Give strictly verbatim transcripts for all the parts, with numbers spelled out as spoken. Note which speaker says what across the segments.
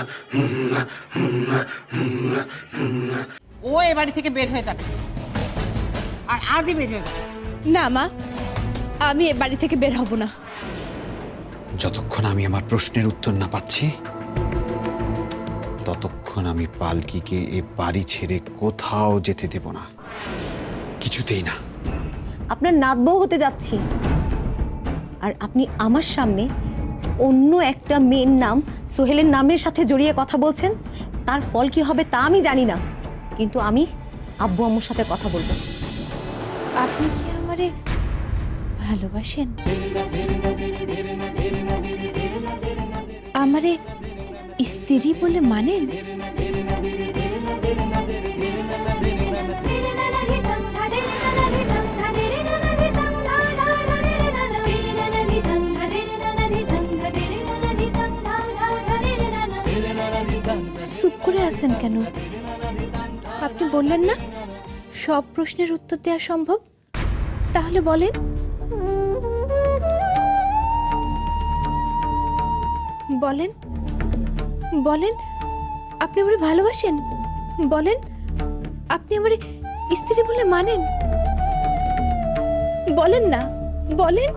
Speaker 1: ও এ বাড়ি থেকে বের হয়ে যাবে, আর আজই বের হয়ে যাবে।
Speaker 2: না মা, আমি এ বাড়ি থেকে বের হব না।
Speaker 3: যতক্ষণ আমি আমার প্রশ্নের উত্তর না পাচ্ছি ততক্ষণ আমি পালকিকে এ বাড়ি ছেড়ে কোথাও যেতে দেব না, কিছুতেই না।
Speaker 4: আপনার নাতবউ হতে যাচ্ছি, আর আপনি আমার সামনে অন্য একটা মেয়ের নাম সোহেলের নামের সাথে জড়িয়ে কথা বলছেন। তার ফল কি হবে তা আমি জানি না, কিন্তু আমি আব্বু আম্মুর সাথে কথা বলবো।
Speaker 2: আপনি কি আমারে ভালোবাসেন? আমারে স্ত্রী বলে মানেন? চুপ করে আছেন কেন? আপনি বললেন না সব প্রশ্নের উত্তর দেওয়া সম্ভব, তাহলে বলেন। বলেন বলেন আপনি আমারে ভালোবাসেন? বলেন আপনি আমারে স্ত্রী বলে মানেন? বলেন না, বলেন।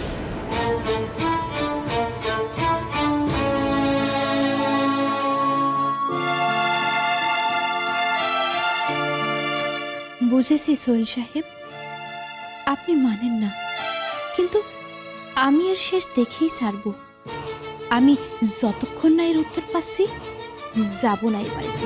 Speaker 2: বুঝেছি সোহেল সাহেব, আপনি মানেন না, কিন্তু আমি এর শেষ দেখেই ছাড়ব। আমি যতক্ষণ না এর উত্তর পাচ্ছি যাব না এই বাড়িতে।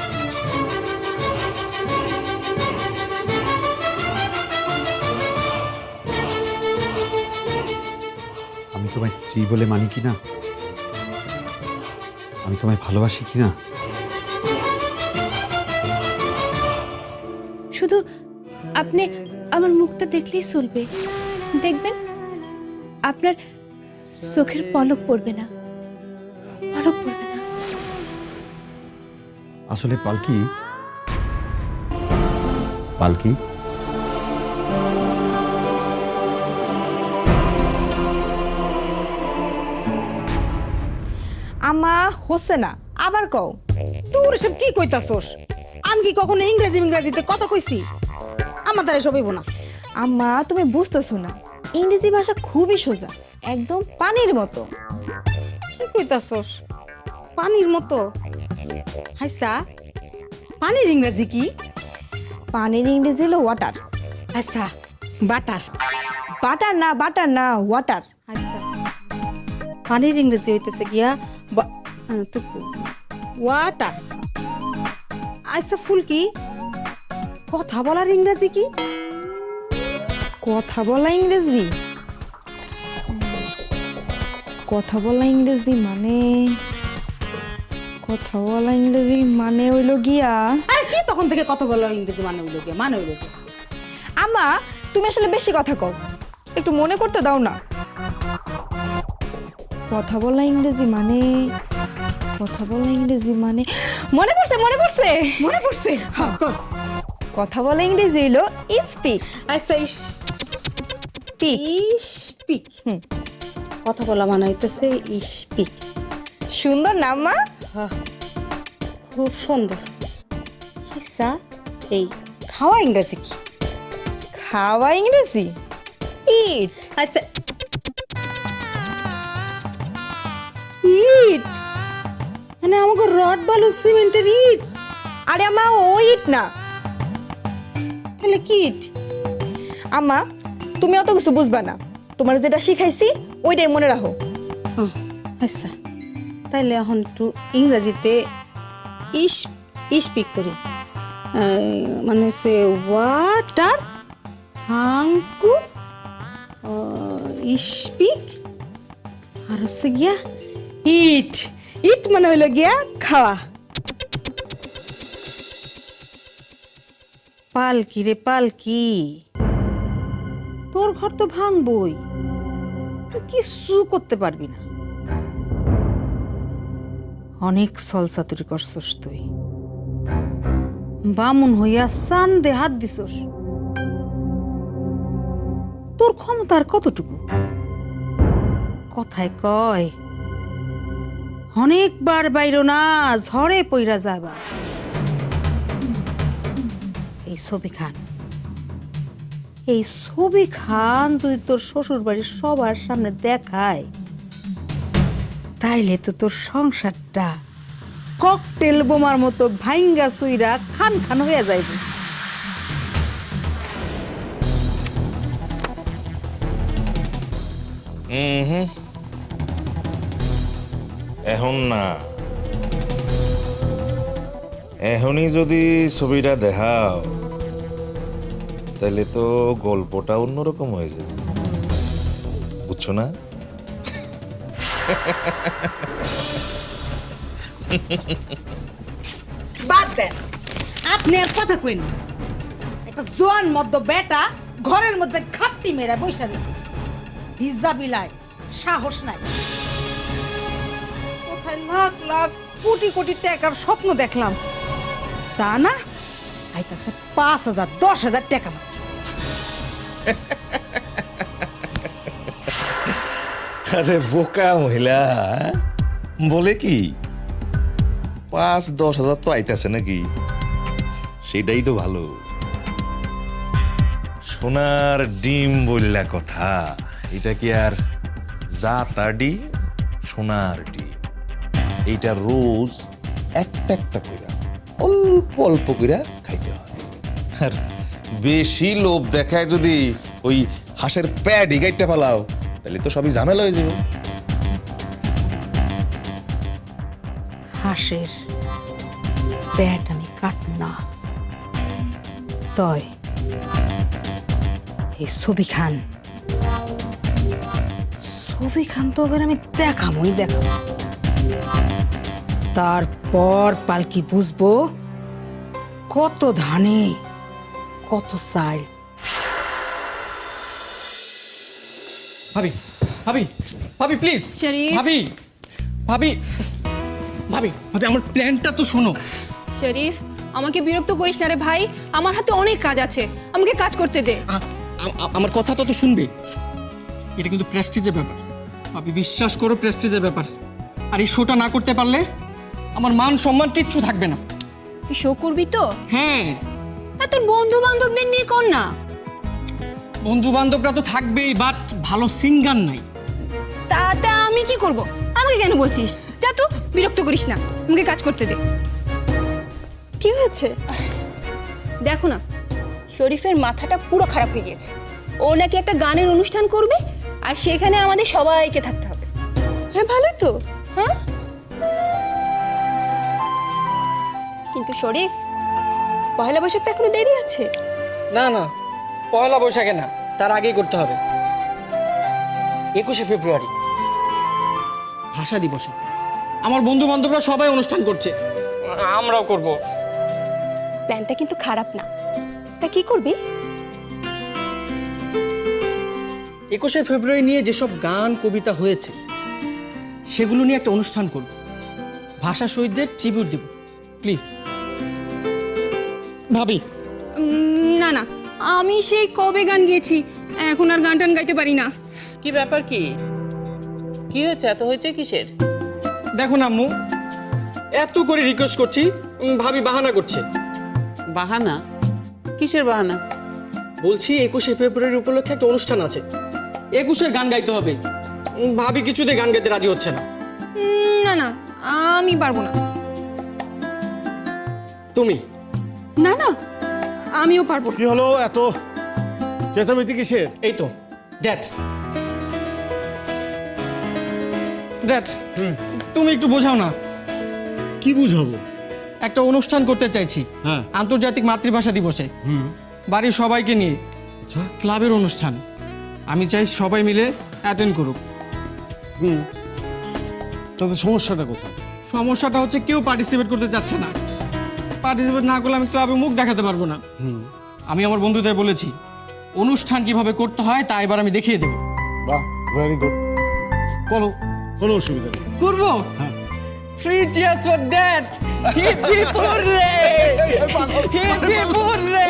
Speaker 3: আমি তোমায় স্ত্রী বলে মানি কিনা, আমি তোমায় ভালোবাসি কিনা,
Speaker 2: শুধু আপনি আমার মুখটা দেখলেই চলবে। দেখবেন আপনার চোখের পলক পড়বে না, পলক পড়বে না।
Speaker 3: আসলে পালকি, পালকি
Speaker 5: আমা হচ্ছে না, আবার কও।
Speaker 1: তোর সব কি কইতাছস? আমি কি কখনো ইংরেজি ইংরেজিতে কথা কইছি? আমার দ্বারা সব হইব না।
Speaker 5: আম্মা তুমি বুঝতেছো না, ইংরেজি ভাষা খুবই সোজা, একদম পানির মতো।
Speaker 1: কি কইতাছস? পানির মতো? হাইসা, পানির ইংরেজি কি?
Speaker 5: পানির ইংরেজি হলো ওয়াটার।
Speaker 1: আচ্ছা, বাটার।
Speaker 5: বাটার না, বাটার না, ওয়াটার।
Speaker 1: আচ্ছা, পানির ইংরেজি হইতেছে গিয়া ওয়াটার। আচ্ছা ফুলকি, কথা বলার ইংরেজি কি?
Speaker 5: কথা বলা ইংরেজি, কথা বলা ইংরেজি মানে, কথা বলা ইংরেজি মানে হইল গিয়া।
Speaker 1: আর কি তখন থেকে কথা বলার ইংরেজি মানে হইল গিয়া, মানে হইল গিয়া।
Speaker 5: আমা তুমি আসলে বেশি কথা কও, একটু মনে করতে দাও না। কথা বলা ইংরেজি মানে, কথা বলা ইংরেজি মানে, মনে পড়ছে মনে পড়ছে
Speaker 1: মনে পড়ছে? হ্যাঁ, কর।
Speaker 5: কথা বলা ইংরেজি হইলো স্পিক।
Speaker 1: আচ্ছা,
Speaker 5: পিক,
Speaker 1: স্পিক। হুম, কথা বলা মানে হইতেছে স্পিক।
Speaker 5: সুন্দর নাম মা।
Speaker 1: হ্যাঁ, খুব সুন্দর। আচ্ছা, এই খাওয়া ইংরেজি কি?
Speaker 5: খাওয়া ইংরেজি ইট।
Speaker 1: আচ্ছা, ইট মানে আমাকে রড বালু সিমেন্টের ইট?
Speaker 5: আরে আমা ও ইট না,
Speaker 1: তাহলে কি ইট?
Speaker 5: আমা তুমি অত কিছু বুঝবা না, তোমার যেটা শিখাইছি ওইটাই মনে রাখো।
Speaker 1: হুম, আচ্ছা, তাইলে এখন একটু ইংরেজিতে ইস স্পিক করি। মানে সে ওয়াটার হাঙ্কু স্পিক, আর হচ্ছে গিয়া ইট। ইট মানে হইল গিয়া খাওয়া। পালকি রে পালকি, তোর ঘর তো ভাঙবই, তুই কিছু করতে পারবি না। অনেক ছলচাতুরি করছস তুই, বামুন হইয়া চান্দে হাত দিছস। তোর ক্ষমতার কতটুকু? কথায় কয় অনেকবার বাইরো না, ঝড়ে পইরা যাবা। এই ছবি খান, এই ছবি খান যদি তোর শ্বশুর বাড়ির সবার সামনে দেখায়, তাইলে তো তোর সংসারটা ককটেল বোমার মতো ভাইঙ্গা সুইরা খান খান হয়ে যাইবে।
Speaker 6: হুম এখন না, এখনই যদি ছবিটা দেখাও তাহলে তো গল্পটা অন্যরকম হয়ে যাবে, বুঝছো না?
Speaker 1: বাদ দেন, আপনি আর কথা কইন। একটা জোয়ান মদ্য বেটা ঘরের মধ্যে খাপটি মেরা বৈশা রয়েছে, ভিজা বিলায় সাহস নাই। কোথায় লাখ লাখ কোটি কোটি টাকার স্বপ্ন দেখলাম, তা না আইতাছে পাঁচ হাজার দশ হাজার টাকা মাত্র।
Speaker 6: আরে বোকা মহিলা, বলে কি পাঁচ দশ হাজার তো আইতাছে নাকি, সেটাই তো ভালো। সোনার ডিম বললা কথা, এটা কি আর যা তা ডিম? সোনার ডিম এইটা রোজ একটা একটা কইরা অল্প অল্প কইরা খাইতে হয়। আর বেশি লোভ দেখায় যদি ওই হাঁসের প্যাডি গাইটটা ফেলাও, তাহলে তো সবই ঝামেলা হয়ে যাবে।
Speaker 1: হাঁসের পেট আমি কাটব না, তয় এই ছবি খান, ছবি খান তো এবার আমি দেখামই দেখাম। তারপর পালকি বুঝবো কত ধানে কত চাল।
Speaker 7: ভাবি ভাবি ভাবি প্লিজ
Speaker 8: শরীফ।
Speaker 7: ভাবি ভাবি ভাবি ভাবি আমার প্ল্যানটা তো শোনো।
Speaker 8: শরীফ, আমাকে বিরক্ত করিস না রে ভাই, আমার হাতে অনেক কাজ আছে, আমাকে কাজ করতে দে।
Speaker 7: আ- আ- আমার কথাটা তো শুনবে। এটা কিন্তু প্রেস্টিজের ব্যাপার ভাবি, বিশ্বাস করো প্রেস্টিজের ব্যাপার। আর এই শোটা না করতে পারলে আমার মান সম্মান কিচ্ছু থাকবে না।
Speaker 8: তুই শো করবি তো?
Speaker 7: হ্যাঁ,
Speaker 8: তা তোর বন্ধু বান্ধবদের নিয়ে কর না।
Speaker 7: বন্ধু বান্ধবরা তো থাকবেই, বাট ভালো সিঙ্গার নাই।
Speaker 8: তাতে আমি কি করব? আমাকে কেন বলছিস? যা তো, বিরক্ত করিস না, আমাকে কাজ করতে দে। কি হয়েছে দেখো না, শরীফের মাথাটা পুরো খারাপ হয়ে গিয়েছে। ও নাকি একটা গানের অনুষ্ঠান করবে, আর সেখানে আমাদের সবাইকে থাকতে হবে। হ্যাঁ ভালোই তো, হ্যাঁ। কিন্তু শরীফ, পয়লা বৈশাখ তো এখনো দেরি আছে।
Speaker 7: না না, পয়লা বৈশাখে না, তার আগেই করতে হবে। একুশে ফেব্রুয়ারি ভাষা দিবসে আমার বন্ধু বান্ধবরা সবাই অনুষ্ঠান করছে, আমরাও করব।
Speaker 8: প্ল্যানটা কিন্তু খারাপ না, তা কি করবি?
Speaker 7: একুশে ফেব্রুয়ারি নিয়ে যেসব গান কবিতা হয়েছে সেগুলো নিয়ে একটা অনুষ্ঠান করব, ভাষা শহীদদের ট্রিবিউট দেব। প্লিজ ভাবি।
Speaker 8: উম, না না, আমি সেই কবে গান গেয়েছি, এখন আর গান টান গাইতে পারি না।
Speaker 9: কি ব্যাপার? কি কি হয়েছে? এত হয়েছে কিসের?
Speaker 7: দেখো না আম্মু, এত করে রিকোয়েস্ট করছি, উম, ভাবি বাহানা করছে।
Speaker 9: বাহানা? কিসের বাহানা?
Speaker 7: বলছি একুশে ফেব্রুয়ারি উপলক্ষে একটা অনুষ্ঠান আছে, একুশের গান গাইতে হবে। উম, ভাবি কিছুতে গান গাইতে রাজি হচ্ছে না।
Speaker 8: উম, না না, আমি পারবো না।
Speaker 7: তুমি?
Speaker 8: না না, আমিও পারবো না।
Speaker 10: কি হলো এত চেঁচামেচি কিসের?
Speaker 7: এই তো ড্যাড, ড্যাড তুমি একটু বোঝাও না।
Speaker 10: কি বুঝাবো?
Speaker 7: একটা অনুষ্ঠান করতে চাইছি,
Speaker 10: হ্যাঁ।
Speaker 7: আন্তর্জাতিক মাতৃভাষা দিবসে, বাড়ির সবাইকে নিয়ে,
Speaker 10: আচ্ছা।
Speaker 7: ক্লাবের অনুষ্ঠান। আমি চাই সবাই মিলে অ্যাটেন্ড করুক।
Speaker 10: হুম, তাতে সমস্যাটা কোথায়?
Speaker 7: সমস্যাটা হচ্ছে কেউ পার্টিসিপেট করতে চাচ্ছে না। পার্টিসিপেট না করলে আমি ক্লাবে মুখ দেখাতে পারবো না। আমি আমার বন্ধুদের বলেছি অনুষ্ঠান কিভাবে করতে হয় তা এবার আমি দেখিয়ে দেবো।
Speaker 10: বাহ, ভেরি গুড। বলো, কোনো অসুবিধা নেই।
Speaker 7: করবো? Three cheers for dad. Hip hip hooray, hip hip hooray.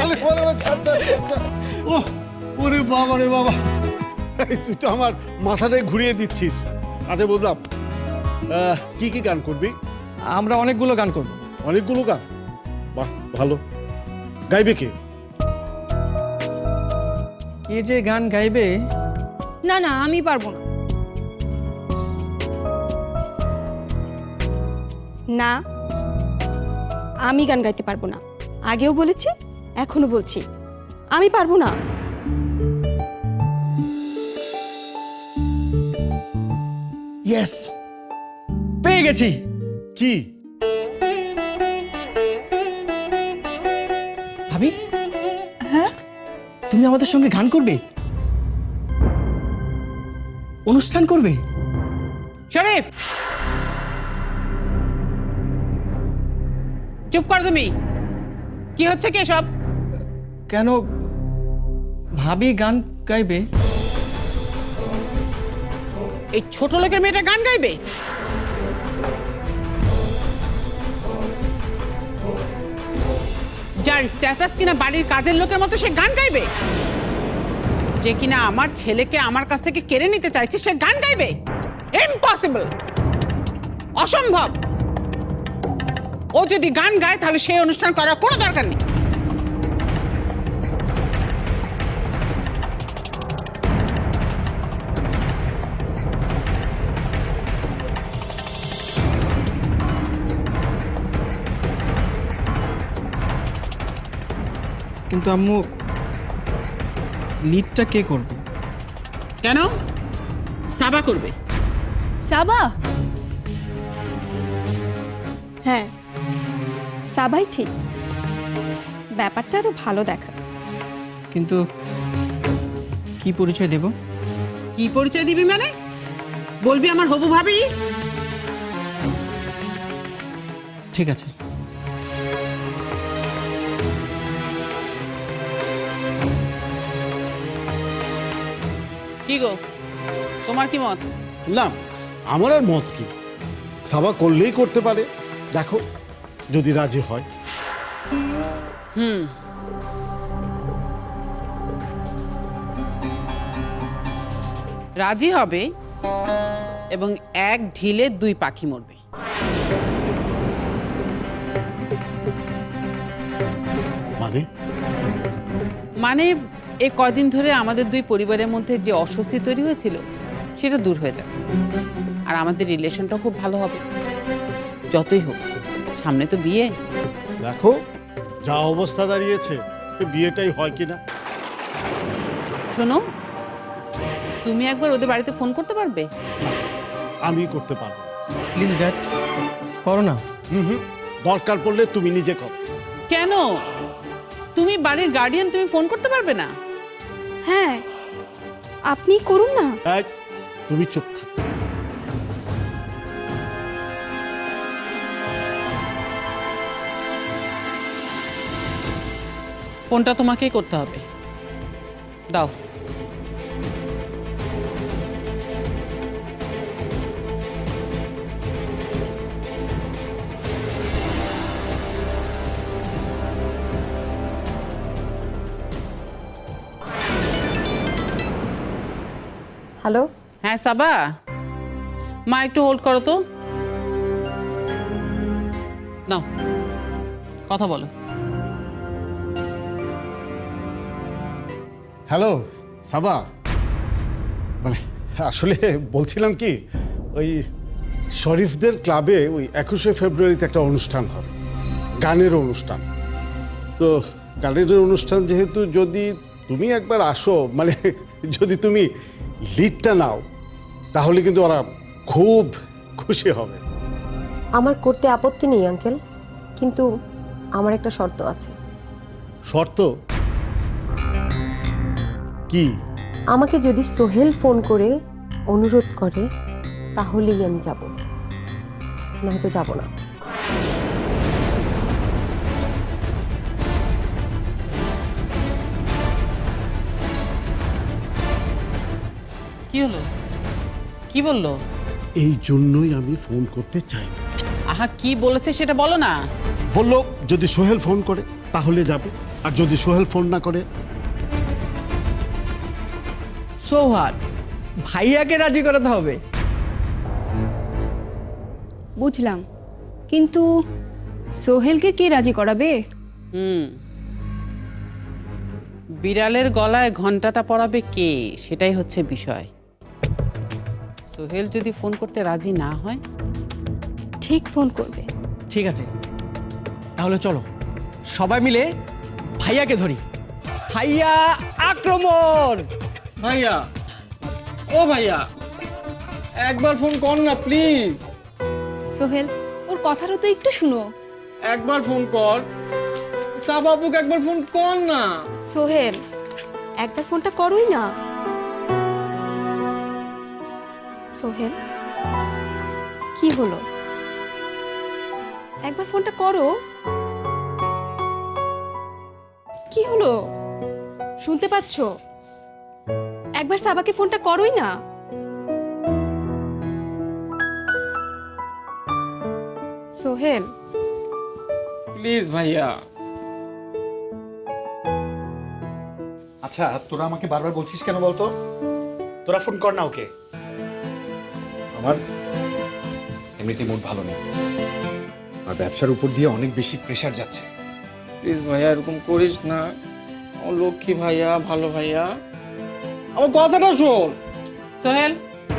Speaker 10: ও ওরে বাবা রে বাবা, এই তুই তো আমার মাথাটাই ঘুরিয়ে দিচ্ছিস। আচ্ছা বুঝলাম, আহ, কি কি গান করবি?
Speaker 7: আমরা অনেকগুলো গান করব।
Speaker 10: অনেকগুলো গান? বাহ, ভালো। গাইবে কে?
Speaker 7: কে যে গান গাইবে?
Speaker 8: না না আমি পারবো না। না আমি গান গাইতে পারবো না, আগেও বলেছি এখনো বলছি আমি পারবো না।
Speaker 7: ইয়েস, পেয়ে গেছি।
Speaker 10: কি?
Speaker 7: ভাবি, হ্যাঁ তুমি আমাদের সঙ্গে গান করবে, অনুষ্ঠান করবে?
Speaker 9: শরীফ চুপ কর তুমি। কি হচ্ছে কি সব?
Speaker 7: কেন ভাবি গান গাইবে?
Speaker 9: এই ছোট লোকের মেয়েটা গান গাইবে? যার স্ট্যাটাস কিনা বাড়ির কাজের লোকের মতো সে গান গাইবে? যে কিনা আমার ছেলেকে আমার কাছ থেকে কেড়ে নিতে চাইছে সে গান গাইবে? ইম্পসিবল, অসম্ভব। ও যদি গান গায় তাহলে সেই অনুষ্ঠান করার কোনো দরকার নেই।
Speaker 7: কিন্তু আম্মু, লিডটা কে করবে?
Speaker 9: কেন? সাবা করবে।
Speaker 8: সাবা? হ্যাঁ সাবাই ঠিক, ব্যাপারটা আরো ভালো দেখা।
Speaker 7: কিন্তু কি পরিচয় দেব?
Speaker 9: কি পরিচয় দিবি মানে? বলবি আমার হবু ভাবি?
Speaker 7: ঠিক আছে।
Speaker 9: কি গো, তোমার কি মত?
Speaker 10: না, আমার আর মত কি, সাবা করলেই করতে পারে। দেখো যদি রাজি হয়।
Speaker 9: হুম, রাজি হবে এবং এক ঢিলে দুই পাখি মরবে।
Speaker 10: মানে?
Speaker 9: মানে এই কদিন ধরে আমাদের দুই পরিবারের মধ্যে যে অস্বস্তি তৈরি হয়েছিল সেটা দূর হয়ে যাবে, আর আমাদের রিলেশনটা খুব ভালো হবে। যতই হোক সামনে তো বিয়ে।
Speaker 10: দেখো যা অবস্থা দাঁড়িয়েছে, বিয়েটাই হয় কিনা।
Speaker 9: শোনো, তুমি একবার ওদের বাড়িতে ফোন করতে পারবে?
Speaker 10: আমি করতে পারবো।
Speaker 7: প্লিজ ড্যাড, করো না।
Speaker 10: হুম হুম, দরকার পড়লে তুমি নিজে করো।
Speaker 9: কেন? তুমি বাড়ির গার্ডিয়ান, তুমি ফোন করতে পারবে না?
Speaker 8: হ্যাঁ আপনি করুন না।
Speaker 10: এক, তুমি চুপ থাকো।
Speaker 9: ফোনটা তোমাকেই করতে হবে, দাও।
Speaker 4: হ্যালো,
Speaker 9: হ্যাঁ সাবা, মা একটু হোল্ড করো তো। নাও কথা বলো।
Speaker 10: হ্যালো সাবা, মানে আসলে বলছিলাম কি, ওই শরীফদের ক্লাবে ওই একুশে ফেব্রুয়ারিতে একটা অনুষ্ঠান হবে, গানের অনুষ্ঠান। তো গানের অনুষ্ঠান যেহেতু, যদি তুমি একবার আসো, মানে যদি তুমি লিডটা নাও, তাহলে কিন্তু ওরা খুব খুশি হবে।
Speaker 4: আমার করতে আপত্তি নেই আঙ্কেল, কিন্তু আমার একটা শর্ত আছে।
Speaker 10: শর্ত কি?
Speaker 4: আমাকে যদি সোহেল ফোন করে অনুরোধ করে তাহলেই আমি যাব, নয়তো যাব না।
Speaker 9: কি হলো? কি বললো?
Speaker 10: এই জন্যই আমি ফোন করতে চাই না।
Speaker 9: আহা, কি বলেছে সেটা বলো না।
Speaker 10: বললো যদি সোহেল ফোন করে তাহলে যাব, আর যদি সোহেল ফোন না করে।
Speaker 7: সৌহার, ভাইয়াকে রাজি করাতে হবে।
Speaker 8: বুঝলাম, কিন্তু সোহেলকে কে রাজি করাবে?
Speaker 9: হুম বিড়ালের গলায় ঘন্টাটা পরাবে কে, সেটাই হচ্ছে বিষয়। সোহেল যদি ফোন করতে রাজি না হয়,
Speaker 8: ঠিক ফোন করবে।
Speaker 7: ঠিক আছে, তাহলে চলো সবাই মিলে ভাইয়াকে ধরি। ভাইয়া আক্রমণ! ভাইয়া, ও ভাইয়া, একবার ফোন কর না প্লিজ।
Speaker 8: সোহেল, ওর কথাটা তো একটু শুনো।
Speaker 7: একবার ফোন কর, সাবাবুক একবার ফোন কর না।
Speaker 8: সোহেল, একবার ফোনটা করোই না। সোহেল, কি হলো? একবার ফোনটা করো। কি হলো? শুনতে পাচ্ছ? একবার সাবাকে ফোনটা করোই না। সোহেল,
Speaker 7: প্লিজ ভাইয়া।
Speaker 3: আচ্ছা, তোরা আমাকে বারবার বলছিস কেন বলতো? তোরা ফোন কর না ওকে। আমার এমনিতেই মুড ভালো নেই, আর ব্যবসার উপর দিয়ে অনেক বেশি প্রেশার যাচ্ছে।
Speaker 7: প্লিজ ভাইয়া, এরকম করিস না। আমার লক্ষ্মী ভাইয়া, ভালো ভাইয়া, আমার কথাটা শোন।
Speaker 9: সোহেল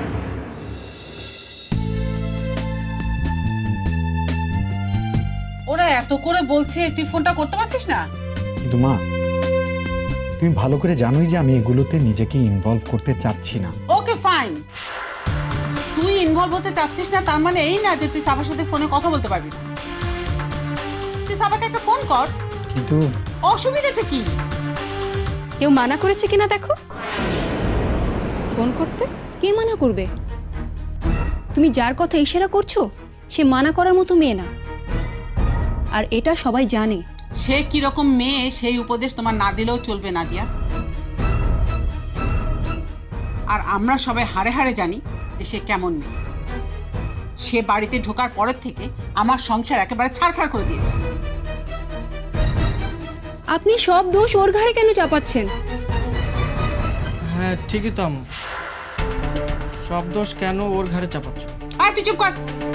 Speaker 9: ওরা এত করে বলছে, তুই ফোনটা করতে পারছিস না?
Speaker 3: কিন্তু মা, তুমি ভালো করে জানোই যে আমি এগুলোতে নিজেকে ইনভলভ করতে চাচ্ছি না।
Speaker 9: ওকে ফাইন, তুই ইনভলভ হতে চাচ্ছিস না তার মানে এই না যে তুই সাবার সাথে ফোনে কথা বলতে পারবি না। তুই সাবাকে একটা ফোন কর।
Speaker 3: কিন্তু
Speaker 9: অসুবিধাটা কি?
Speaker 8: কেউ মানা করেছে কিনা দেখো ফোন করতে। কে মানা করবে? তুমি যার কথা ইশারা করছো সে মানা করার মতো মেয়ে না, আর এটা সবাই জানে।
Speaker 9: সে কিরকম মেয়ে সেই উপদেশ তোমার না দিলেও চলবে, নাদিয়া। আর আমরা সবাই হাড়ে হাড়ে জানি যে সে কেমন মেয়ে। সে বাড়িতে ঢোকার পরের থেকে আমার সংসার একেবারে ছাড়খাড় করে দিয়েছে।
Speaker 8: আপনি সব দোষ ওর ঘাড়ে কেন চাপাচ্ছেন?
Speaker 7: হ্যাঁ ঠিকই তো আম্মু, সব দোষ কেন ওর ঘাড়ে চাপাচ্ছ?
Speaker 9: আয় তুই চুপ কর।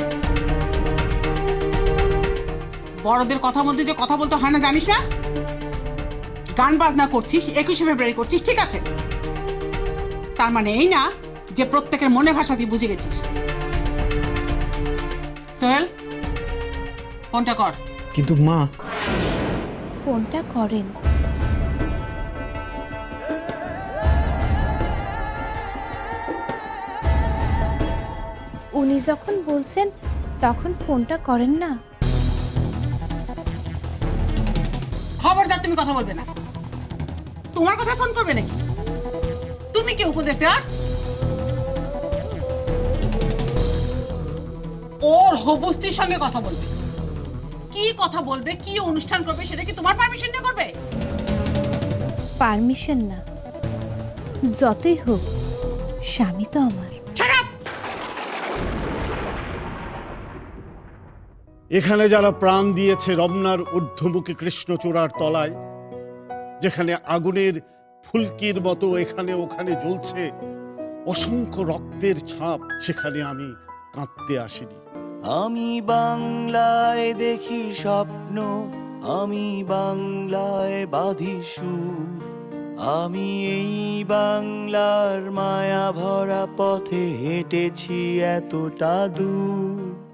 Speaker 9: বড়দের কথার মধ্যে যে কথা বলতে হয় না জানিস না? গান বাজনা করছিস, একুশে ফেব্রুয়ারি করছিস, ঠিক আছে, তার মানে এই না যে প্রত্যেকের মনে ভাষা তুই বুঝে গেছিস। সোহেল, ফোনটা কর।
Speaker 3: কিন্তু মা,
Speaker 2: ফোনটা করেন। উনি যখন বলছেন তখন ফোনটা করেন না।
Speaker 9: খবরদার তুমি কথা বলবে না। তোমার কথা ফোন করবে নাকি? তুমি কি উপদেশ দেওয়ার? ওর হবুস্তির সঙ্গে কথা বলবে, কি কথা বলবে, কি অনুষ্ঠান করবে সেটা কি তোমার পারমিশন নিয়ে করবে?
Speaker 2: পারমিশন না, যতই হোক স্বামী তো আমার।
Speaker 10: এখানে যারা প্রাণ দিয়েছে রমনার ঊর্ধ্বমুখী কৃষ্ণচূড়ার তলায়, যেখানে আগুনের ফুলকির মতো এখানে ওখানে জ্বলছে অসংখ্য রক্তের ছাপ, সেখানে আমি কাঁদতে আসিনি।
Speaker 11: আমি বাংলায় দেখি স্বপ্ন, আমি বাংলায় বাঁধি সুর, আমি এই বাংলার মায়া ভরা পথে হেঁটেছি এতটা দূর।